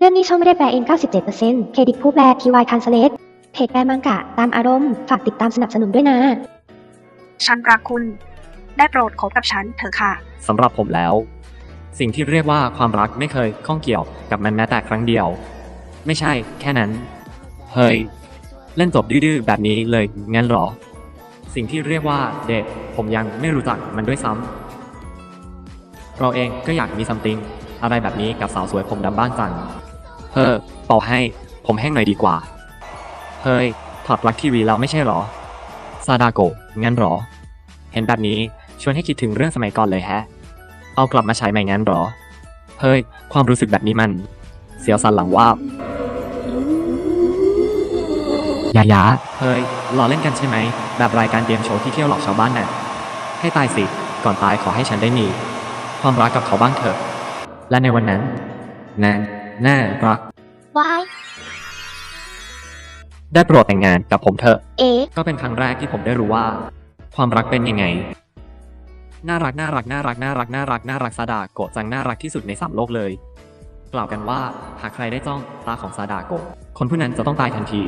เรื่องนี้ช่องไม่ได้แปลเอง 97% เครดิตผู้แปล TY Translate เพจแปลมังกะตามอารมณ์ ฝากติดตามสนับสนุนด้วยนะฉันรักคุณ ได้โปรดคบกับฉันเถอะค่ะสำหรับผมแล้ว สิ่งที่เรียกว่าความรักไม่เคยข้องเกี่ยวกับมันแม้แต่ครั้งเดียว ไม่ใช่แค่นั้น เฮ้ย เล่นจบดื้อๆแบบนี้เลยงั้นหรอ สิ่งที่เรียกว่าเดทผมยังไม่รู้จักมันด้วยซ้ำเราเองก็อยากมีซัมติงอะไรแบบนี้กับสาวสวยผมดำบ้านจังเป่าให้ผมแห้งหน่อยดีกว่าเฮ้ยถอดปลั๊กทีวีแล้วไม่ใช่หรอซาดาโกะงั้นหรอเห็นแบบนี้ชวนให้คิดถึงเรื่องสมัยก่อนเลยแฮะเอากลับมาใช้ใหม่งั้นหรอเฮ้ยความรู้สึกแบบนี้มันเสียวสันหลังว่าบยาเฮ้ยล้อเล่นกันใช่ไหมแบบรายการเกมโชว์ที่เที่ยวหลอกชาวบ้านน่ะให้ตายสิก่อนตายขอให้ฉันได้มีความรักกับเขาบ้างเถอะและในวันนั้นน่ารักวายได้โปรดแต่งงานกับผมเถอะเอ๊ะก็เป็นครั้งแรกที่ผมได้รู้ว่า ความรักเป็นยังไงน่ารักซาดาโกะจังน่ารักที่สุดใน3โลกเลยกล่าวกันว่าหากใครได้จ้องตาของซาดาโกะคนผู้นั้นจะต้องตายทันที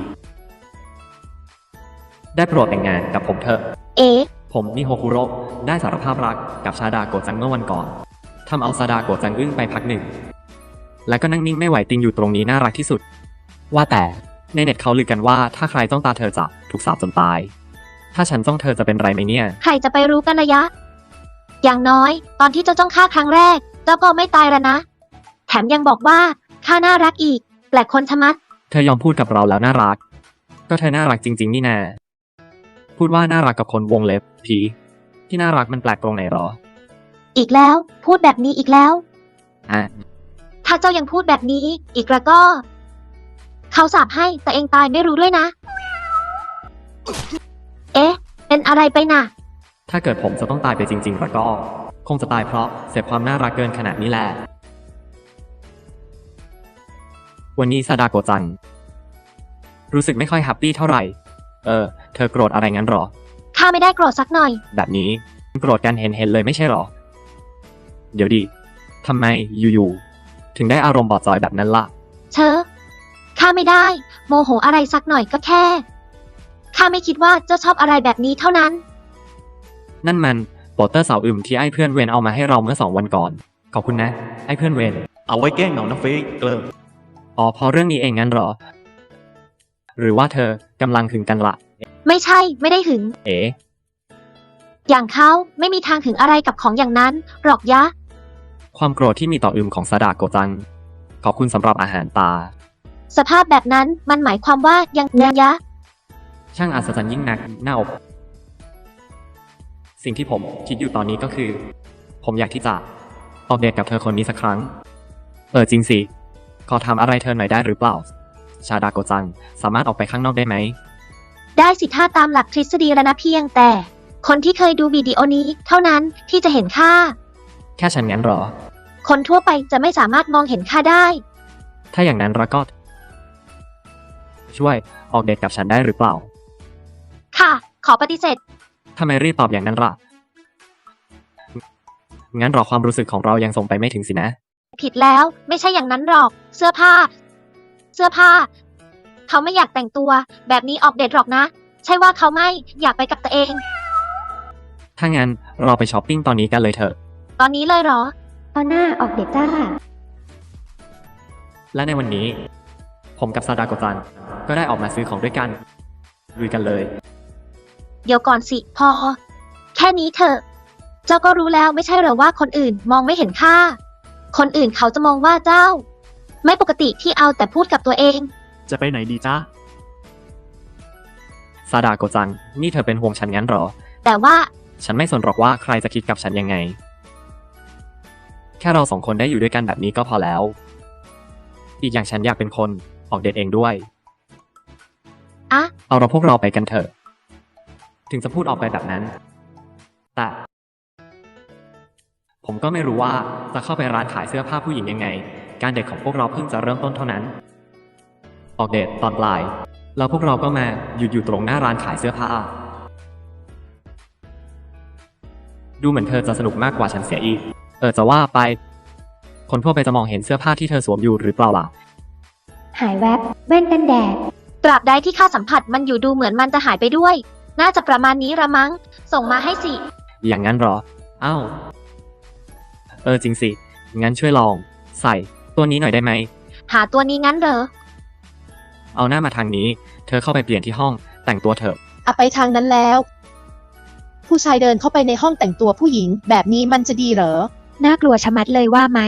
ได้โปรดแต่งงานกับผมเถอะเอ๊ะผมนิโฮคุโระได้สารภาพรักกับซาดาโกะจังเมื่อวันก่อนทำเอาซาดาโกะจังอึ้งไปพักหนึ่งแล้วก็นั่งนิ่งไม่ไหวติงอยู่ตรงนี้น่ารักที่สุดว่าแต่ในเน็ตเขาลือกันว่าถ้าใครจ้องตาเธอจะถูกสาปจนตายถ้าฉันจ้องเธอจะเป็นไรไหมเนี่ยใครจะไปรู้กันระยะ อย่างน้อย ตอนที่เจ้าจ้องข้าครั้งแรก เจ้าก็ไม่ตายแล้วนะ แถมยังบอกว่าข้าน่ารักอีก แปลกคนชะมัดเธอยอมพูดกับเราแล้วน่ารักก็เธอน่ารักจริงๆนี่นาพูดว่าน่ารักกับคนวงเล็บผีที่น่ารักมันแปลกตรงไหนหรออีกแล้ว พูดแบบนี้อีกแล้วอ่ะถ้าเจ้ายังพูดแบบนี้ อีกแล้วก็ เขาสาปให้แต่เองตายไม่รู้ด้วยนะ เอ๊ะ เป็นอะไรไปน่ะถ้าเกิดผมจะต้องตายไปจริงๆแล้วก็คงจะตายเพราะเสพความน่ารักเกินขนาดนี้แหละวันนี้ซาดาโกะจังรู้สึกไม่ค่อยแฮปปี้เท่าไหร่เธอโกรธอะไรงั้นหรอข้าไม่ได้โกรธสักหน่อยแบบนี้โกรธกันเห็นเลยไม่ใช่หรอเดี๋ยวดิทำไมอยู่ๆถึงได้อารมณ์บอดจอยแบบนั้นล่ะเชอะข้าไม่ได้ โมโหอะไรสักหน่อยก็แค่ ข้าไม่คิดว่าเจ้าชอบอะไรแบบนี้เท่านั้นนั่นมันโปสเตอร์สาวอึมที่ไอ้เพื่อนเวนเอามาให้เราเมื่อ2 วันก่อนขอบคุณนะไอ้เพื่อนเวนเอาไว้แกล้งเหงานะเฟกเกลออ๋อพอเรื่องนี้เองงั้นเหรอหรือว่าเธอกำลังหึงกันละไม่ใช่ ไม่ได้หึงเอ๋อย่างเขาไม่มีทางหึงอะไรกับของอย่างนั้นหรอกยะความโกรธที่มีต่ออึมของซาดาโกะจังขอบคุณสำหรับอาหารตาสภาพแบบนั้นมันหมายความว่ายังยะช่างอัศจรรย์ยิ่งนักหน้าอกสิ่งที่ผมคิดอยู่ตอนนี้ก็คือ ผมอยากที่จะออกเดทกับเธอคนนี้สักครั้งจริงสิขอทำอะไรเธอหน่อยได้หรือเปล่าชาดาโกะจังสามารถออกไปข้างนอกได้ไหมได้สิท่าตามหลักทฤษฎีแล้วนะเพียงแต่ คนที่เคยดูวิดีโอนี้เท่านั้นที่จะเห็นค่าแค่ฉันงั้นเหรอคนทั่วไปจะไม่สามารถมองเห็นค่าได้ถ้าอย่างนั้นเราก็ช่วยออกเดทกับฉันได้หรือเปล่าค่ะ ขอปฏิเสธทำไมรีบตอบอย่างนั้นล่ะงั้นรอความรู้สึกของเรายังส่งไปไม่ถึงสินะผิดแล้วไม่ใช่อย่างนั้นหรอก เสื้อผ้า เขาไม่อยากแต่งตัว แบบนี้ออกเดทหรอกนะ ใช่ว่าเขาไม่อยากไปกับตัวเองถ้างั้นเราไปช้อปปิ้งตอนนี้กันเลยเถอะตอนนี้เลยเหรอตอนหน้าออกเดทจ้าและในวันนี้ ผมกับซาดาโกะจังก็ได้ออกมาซื้อของด้วยกันลุยกันเลยเดี๋ยวก่อนสิพอ แค่นี้เถอะ เจ้าก็รู้แล้วไม่ใช่เหรอว่าคนอื่นมองไม่เห็นค่า คนอื่นเขาจะมองว่าเจ้า ไม่ปกติที่เอาแต่พูดกับตัวเองจะไปไหนดีจ้าซาดาโกะจังนี่เธอเป็นห่วงฉันงั้นเหรอแต่ว่าฉันไม่สนหรอกว่าใครจะคิดกับฉันยังไง แค่เรา2 คนได้อยู่ด้วยกันแบบนี้ก็พอแล้ว อีกอย่างฉันอยากเป็นคนออกเดทเองด้วยอะเอาเราพวกเราไปกันเถอะ ถึงจะพูดออกไปแบบนั้น แต่ ผมก็ไม่รู้ว่าจะเข้าไปร้านขายเสื้อผ้าผู้หญิงยังไง การเดทของพวกเราเพิ่งจะเริ่มต้นเท่านั้น ออกเดทตอนปลายแล้วพวกเราก็มาหยุดอยู่ตรงหน้าร้านขายเสื้อผ้า ดูเหมือนเธอจะสนุกมากกว่าฉันเสียอีก จะว่าไป คนทั่วไปจะมองเห็นเสื้อผ้าที่เธอสวมอยู่หรือเปล่าล่ะหายแวบแว่นกันแดด ตราบใดที่ข้าสัมผัสมันอยู่ดูเหมือนมันจะหายไปด้วย น่าจะประมาณนี้ละมั้ง ส่งมาให้สิอย่างนั้นเหรอ อ้าว จริงสิ งั้นช่วยลอง ใส่ตัวนี้หน่อยได้ไหมหาตัวนี้งั้นเหรอเอาหน้ามาทางนี้ เธอเข้าไปเปลี่ยนที่ห้องแต่งตัวเถอะอะไปทางนั้นแล้ว ผู้ชายเดินเข้าไปในห้องแต่งตัวผู้หญิง แบบนี้มันจะดีเหรอน่ากลัวชะมัดเลยว่าไหม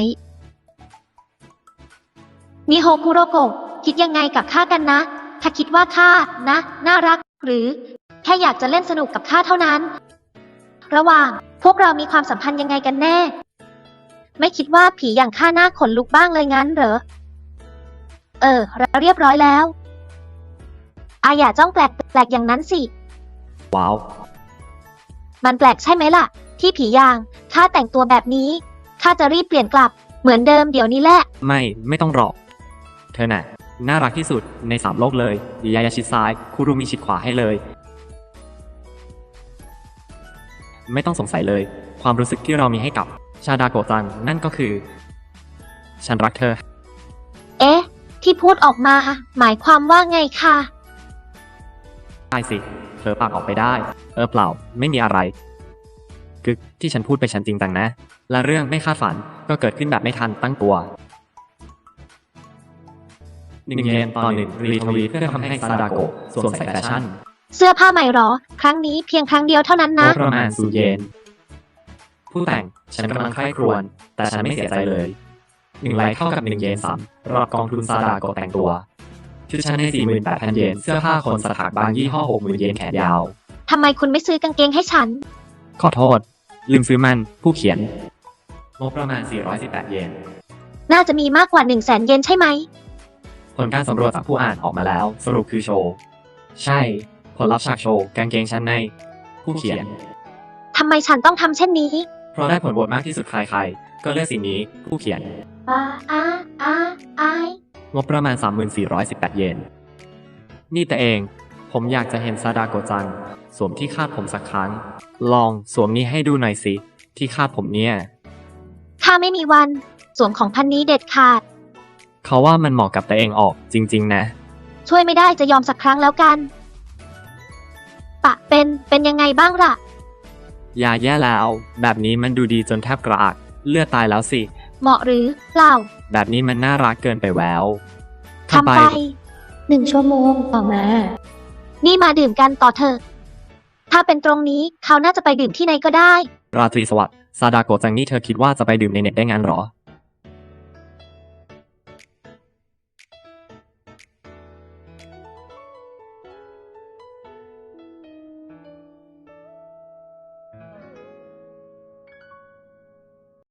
นิโฮคุโรโกะคิดยังไงกับข้ากันนะ ถ้าคิดว่าข้านะ น่ารัก หรือ แค่อยากจะเล่นสนุกกับข้าเท่านั้น ระหว่างพวกเรามีความสัมพันธ์ยังไงกันแน่ ไม่คิดว่าผีอย่างข้าหน้าขนลุกบ้างเลยงั้นเหรอ เราเรียบร้อยแล้วอย่าจ้องแปลกอย่างนั้นสิว้าวมันแปลกใช่ไหมล่ะ ที่ผีอย่างข้าแต่งตัวแบบนี้ข้าจะรีบเปลี่ยนกลับเหมือนเดิมเดี๋ยวนี้แหละไม่ต้องหรอก เธอน่ะ น่ารักที่สุดใน3 โลกเลยยายาชิดซ้าย คุรุมิชิดขวาให้เลย ไม่ต้องสงสัยเลย ความรู้สึกที่เรามีให้กับชาดาโกะจังนั่นก็คือ ฉันรักเธอเอ๊ะ ที่พูดออกมาหมายความว่าไงคะได้สิเผลอปากออกไปได้ เปล่า ไม่มีอะไร กึกที่ฉันพูดไปฉันจริงจังนะ และเรื่องไม่คาดฝันก็เกิดขึ้นแบบไม่ทันตั้งตัว1 เยนต่อ 1 รีทวีตเพื่อทำให้ซาดาโกะสวมใส่แฟชั่นเสื้อผ้าใหม่หรอ ครั้งนี้เพียงครั้งเดียวเท่านั้นงนะบประมาณ0 เยน ผู้แต่งฉันกำลังใคร่ครวญแต่ฉันไม่เสียใจเลย1 ไลค์เท่ากับ1 เยน3รอบกองทุนซาดาโกะแต่งตัวชุดชั้นใน 48,000 เยน เสื้อผ้าคนสถักบางยี่ห้อ 60,000 เยนแขนยาวทำไมคุณไม่ซื้อกางเกงให้ฉันขอโทษ ลืมซื้อมัน ผู้เขียนงบประมาณ418 เยนน่าจะมีมากกว่า100,000 เยนใช่ไหมผลการสำรวจจากผู้อ่านออกมาแล้ว สรุปคือโชว์ ใช่ ผลลัพธ์ฉากโชว์ กางเกงชั้นใน ผู้เขียนทำไมฉันต้องทำเช่นนี้เพราะได้ผลโหวตมากที่สุดใครๆ ก็เลือกสิ่งนี้ ผู้เขียน งบประมาณ 3418 เยน นี่แต่เอง ผมอยากจะเห็นซาดาโกะจัง สวมที่คาดผมสักครั้ง ลองสวมนี้ให้ดูหน่อยสิ ที่คาดผมเนี่ยข้าไม่มีวัน สวมของพันนี้เด็ดขาดเขาว่ามันเหมาะกับตัวเองออกจริงๆนะช่วยไม่ได้จะยอมสักครั้งแล้วกัน เป็นยังไงบ้างล่ะอย่าแย่แล้ว แบบนี้มันดูดีจนแทบกระอัก เลือดตายแล้วสิเหมาะหรือเปล่าแบบนี้มันน่ารักเกินไปแววทำไป1 ชั่วโมงต่อมา นี่มาดื่มกันต่อเถอะ ถ้าเป็นตรงนี้เขาน่าจะไปดื่มที่ไหนก็ได้ราตรีสวัสดิ์ซาดาโกะจังนี่เธอคิดว่าจะไปดื่มในเน็ตได้งั้นเหรอ